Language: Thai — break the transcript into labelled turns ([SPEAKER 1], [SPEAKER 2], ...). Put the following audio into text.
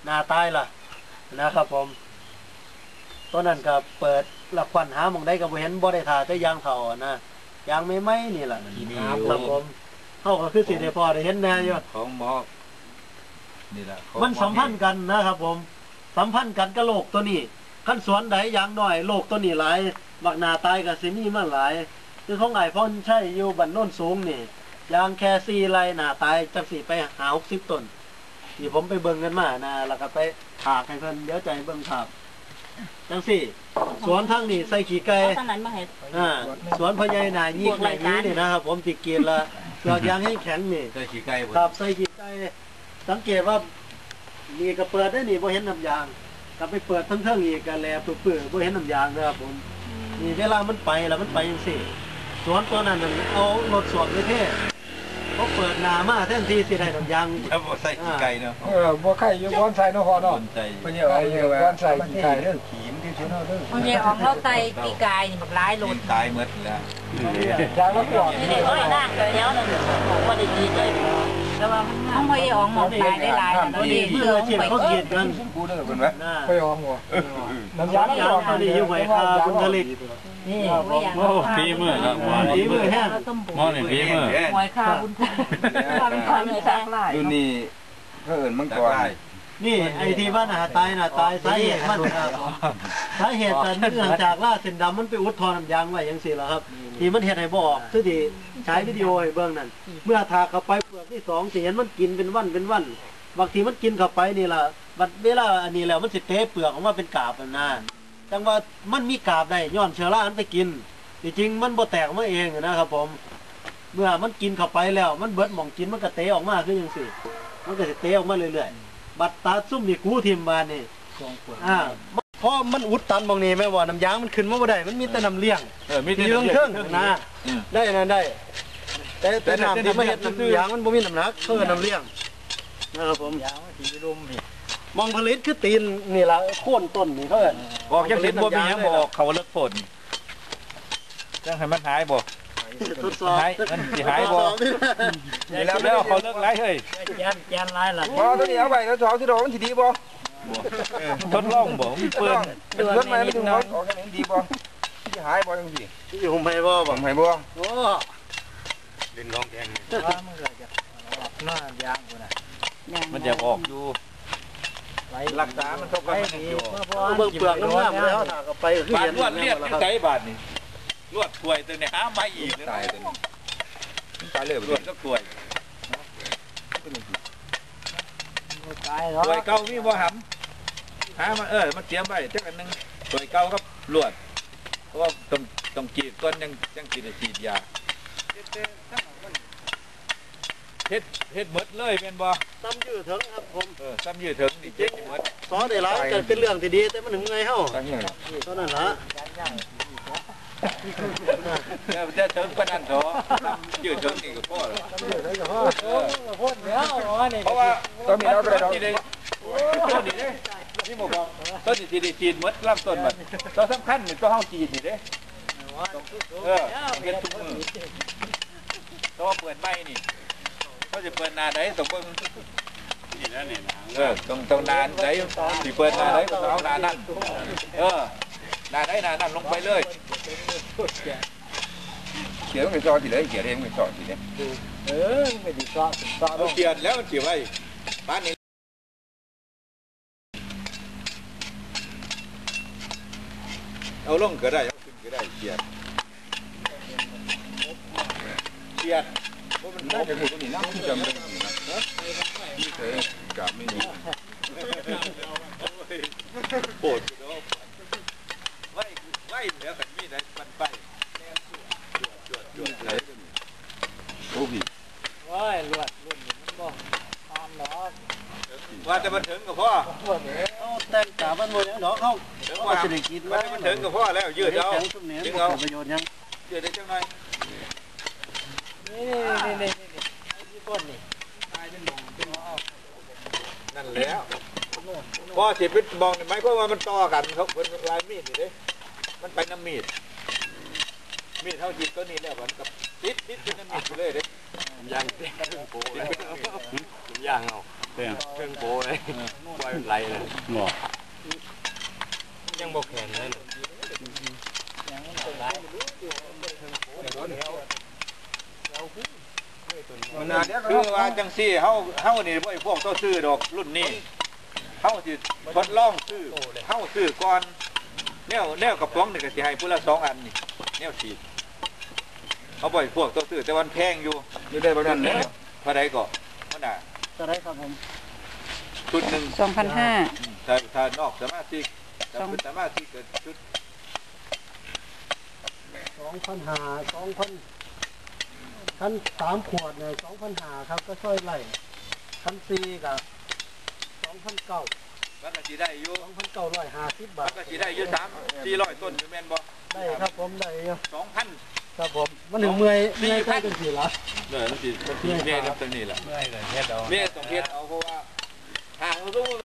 [SPEAKER 1] นาตายล่ะนะครับผมตอนนั้นก็เปิดละควันหาหมองได้ก็บ่เห็นบ่ได้ท่าแต่ยางเฒ่านะยางไม่นี่ล่ะครับผมเฮาก็คือสิได้พอได้เห็นแน่อยู่
[SPEAKER 2] ของหมอนี่ล่ะ
[SPEAKER 1] มันสัมพันธ์กันนะครับผมสัมพันธ์กันกับโลกตัวนี้ขั้นสวนใดอย่างน้อยโลกตัวนี้หลายบักหน้าตายก็สิมีมาหลายคือของไอ้พ่นใช่อยู่บ้านโน้นสูงนี่ยางแค่4ไร่หน้าตายจังสิไปหา60ต้นที่ผมไปเบิ่งกันมานะแล้วก็ไปถากให้เพิ่นเดี๋ยวใจเบิ่งครับจังสิสวนทั้งนี้ใส่ขี้ไก่สวนพญายนายีกแห่งนี้นี่นะครับผมติเกียรละยอดยางให้แข็งนี่
[SPEAKER 2] ใส่ขี้ไก่
[SPEAKER 1] ครับใส่ขี้ไก่สังเกตว่านี่ก็เปิดได้นี่บ่เห็นน้ำยางก็ไปเปิดทั้งอีกก็แลปื้อบ่เห็นน้ำยางนะครับผมนี่เวลามันไปแล้วมันไปจังซี่สวนตัวนั้นเอารถสวมไปเท่เขาเปิดนามาแทนที่สิได้น้ำยาง
[SPEAKER 2] แล้วบ่ใส่ขี้ไก่เนาะ
[SPEAKER 3] บ่ไข่อยู่บ่อนใส่เนาะพ่อเนาะ
[SPEAKER 2] บ่
[SPEAKER 3] เนี่ยเอาบ่อนใส่ขี้ไก่เด้อขีมที่เนาะเด้อ
[SPEAKER 4] มันสิออกเราไตปีกายนี่บักหลายโลด
[SPEAKER 2] ตายหมดแล้ว
[SPEAKER 3] ยางแล้วก่อน
[SPEAKER 4] นี่เอ้ยนางก็แล้วนั่นบ่ได้ดีเลยแต่ว่ามันบ่ยอมหมอกตายได้หลายแล้วดี
[SPEAKER 1] เพื่อสิเขาเกียดกัน
[SPEAKER 2] กูเด้อเพิ่นว่า
[SPEAKER 3] ไปยอมบ่น้ำยาง
[SPEAKER 1] ตัวนี้อยู่ไว้คาคุณทะเล
[SPEAKER 4] นี่
[SPEAKER 5] โอ้ฝีมือครับ
[SPEAKER 1] ฝีมือแห้ง
[SPEAKER 5] หม้อนี่ฝีมือ
[SPEAKER 4] หวยคาบุญคุณเป็นคนเลยสักหลาย
[SPEAKER 2] รุ่นนี้เพิ่นมังกร
[SPEAKER 1] นี่ไอ้ที่ว่าหน้าตายสาเหตุมันสาเหตุแต่เนื่องจากล่าเส้นดำมันไปอุดทอน้ำยางไว้ยังสิล่ะครับที่มันเห็นให้บ่ออกคือที่ใช้วิดีโอให้เบิ่งนั่นเมื่อทาเข้าไปเปลือกที่2สิเห็นมันกินเป็นวันบางทีมันกินเข้าไปนี่ล่ะบัดเวลาอันนี้แล้วมันสิเตะเปลือกออกมาเป็นกาบน่ะจังว่ามันมีกาบได้ย้อนเชื้อรามันไปกินจริงๆมันบ่แตกมาเองนะครับผมเมื่อมันกินเข้าไปแล้วมันเบิดหม่องกินมันก็เตะออกมาคือจังซี่มันก็สิเตะออกมาเรื่อยๆบัดตาซุ่มนี่กูทิ่มบานนี่เพราะมันอุดตันบางนี้แม่ว่าน้ำยางมันขึ้นมาบ่ได้มันมีแต่น้ำเลี้ยง
[SPEAKER 2] มีแต่
[SPEAKER 1] เรื่องเครื่องนะได้นั่นได้แต่น้ำที่มาเฮ็ดน้ำยางมันบ่มีน้ำหนักเท่ากับน้ำเลี้ยงนะครับผมยางมันสิรุมนี่มองผลิตคือตีนนี่ล่ะโค่นต้นนี่เพิ่น
[SPEAKER 2] บอกจังสิบ่มีหยังบอกเขาเลิกฝนจังให้มันหายบ่
[SPEAKER 1] ทดสอบ
[SPEAKER 2] มันสิหายบ่นี่แล้วเขาเลิกหลายเฮ้ย
[SPEAKER 4] แกนหลายล่ะ
[SPEAKER 3] บ่ตัวนี้เอาไว้แล้วสอบสิดอกมันสิดีบ่
[SPEAKER 2] ทดลองบ่มีเปิ้น
[SPEAKER 3] เปิ้นมาไม่ถึงออกกันดีบ่สิหายบ่จังซี่
[SPEAKER 1] อยู่ผมให้บ่โอ้
[SPEAKER 2] เล่นร้องแดง
[SPEAKER 3] มันก็จะหน้ายางพุ่นน่ะ
[SPEAKER 2] มันจะออกอยู่รักษามันเท่ากันอยู่
[SPEAKER 1] เบิ่งเปลือกงามๆแล้วถ้าก็ไปคือเห็น
[SPEAKER 2] นวดเรียกอยู่ไสบาดนี่นวดถ้วยตัวนี้หามาอีกตายตัวนี้ตายเลยนวดก็ถ้วยถ้วยเก่ามีบ่หำหามามันเตรียมไว้จักอันนึงถ้วยเก่าครับลวดเพราะว่าต้องกรีดก่อนยังสิได้ฉีดยาเฮ็ดหมดเลยเป็นบ่
[SPEAKER 1] ซ้ำยืดถึงครับผม
[SPEAKER 2] ซ้ำยืดถึงนี่เจ๊งหมด
[SPEAKER 1] สอนได้หลายก็เป็นเรื่องที่ดีแต่มันถึงไงเฮาเท่านั้นล่ะ
[SPEAKER 2] จะถึงปานนั้นเถอะยืดถึงนี่ก็พอแล้วเพราะว่า
[SPEAKER 3] ตอนนี้เราได้ดอก
[SPEAKER 2] ต้นนี้เด้นี่บ่บอกต้นนี้สิได้ฉีดหมดลำต้นมันตัวสำคัญนี่ตัวเฮาฉีดนี่เด้เฮ็ดทุกมื้อตัวเปิดใหม่นี่เขาจะเปิดนาไหนต้องเบิ่งนี่นะนี่ต้องนานไหนสิเปิดนาไหนก็เอานานั้นนาไหนนานั้นลงไปเลยเขียนไม่ซอสิเลยเขียนเองไม่ซอสิเนี่ย
[SPEAKER 3] ไม่ดีซอ
[SPEAKER 2] เขียนแล้วมันเขียนไว้บ้านนี้เอาลงก็ได้เอาขึ้นก็ได้เขียนว่ามันน่าจะถูกตรงนี้น่าจำได้ดีนะที่เคยกลับไม่มีโปรดไว้เหลือขันมีได้ปันไปจวดไหนโอ้พี่
[SPEAKER 3] ว้ายลวดมันบ่อ่อนหรอ
[SPEAKER 2] ว่าจะมันถึงกับพ่อ
[SPEAKER 1] แต่งกาบ้านมวยเนาะเขา
[SPEAKER 2] จะได้กินว่ามันถึงกับพ่อแล้วยืดเอา
[SPEAKER 1] จึงเอาประโยชน์ยัง
[SPEAKER 2] ยืดได้จังหน่อย
[SPEAKER 3] นี่ต้นนี่
[SPEAKER 2] นั่นแล้วพอสิเป็นมองไหมเพราะว่ามันต่อกันเขาเป็นลายมีดนี่เด้มันไปน้ำมีดเท่าจิตตัวนี้แล้วมันกับติดเป็นน้ำมีดไปเลยเด้
[SPEAKER 3] ย่างเครื่องโปเลยย่างเอา
[SPEAKER 5] เตี้ย
[SPEAKER 3] เครื่องโปเลยปล่อยไหลเลย
[SPEAKER 5] บ่
[SPEAKER 3] ยังบอกแข็งเลย
[SPEAKER 2] คือว่าจังซี่เฮานี่บ่ไอ้พวกต้องซื้อดอกรุ่นนี้เฮาสิทดลองซื้อเฮาซื้อก่อนแนวกระป๋องนี่ก็สิให้ผู้ละ2อันนี่แนวฉีดเขาบ่ไอ้พวกต้องซื้อแต่วันแพงอยู่ได้ประมาณนี้เท่าใดก็มันน่ะ
[SPEAKER 1] จะได้ครับผม
[SPEAKER 2] ชุดหนึง
[SPEAKER 4] 2,500
[SPEAKER 2] ถ้านอกสมาชิกถ้าเป็นสมาชิกก็ชุด
[SPEAKER 1] 2,500 ขั้น3 ขวดเนี่ย2,500ครับก็ช่วยไล่ขั้น4กับ2,900
[SPEAKER 2] มันก็สิได้อยู่
[SPEAKER 1] 2,950 บา
[SPEAKER 2] มั
[SPEAKER 1] ท
[SPEAKER 2] นก็สิได้อยู่3-400ต้นอยู่แม่นบ่
[SPEAKER 1] ได้ครับผมได้อยู่
[SPEAKER 2] 2,000
[SPEAKER 1] ครับผมมันถึงเมื่อยใกล้กันสิละ
[SPEAKER 5] เด้อมันสิ
[SPEAKER 2] เมตรตรงนี้ล่ะ
[SPEAKER 3] ไม่เลยเฮ็ดเอา
[SPEAKER 2] เมตรต้องเฮ็ดเอาเพราะว่าห่างรู้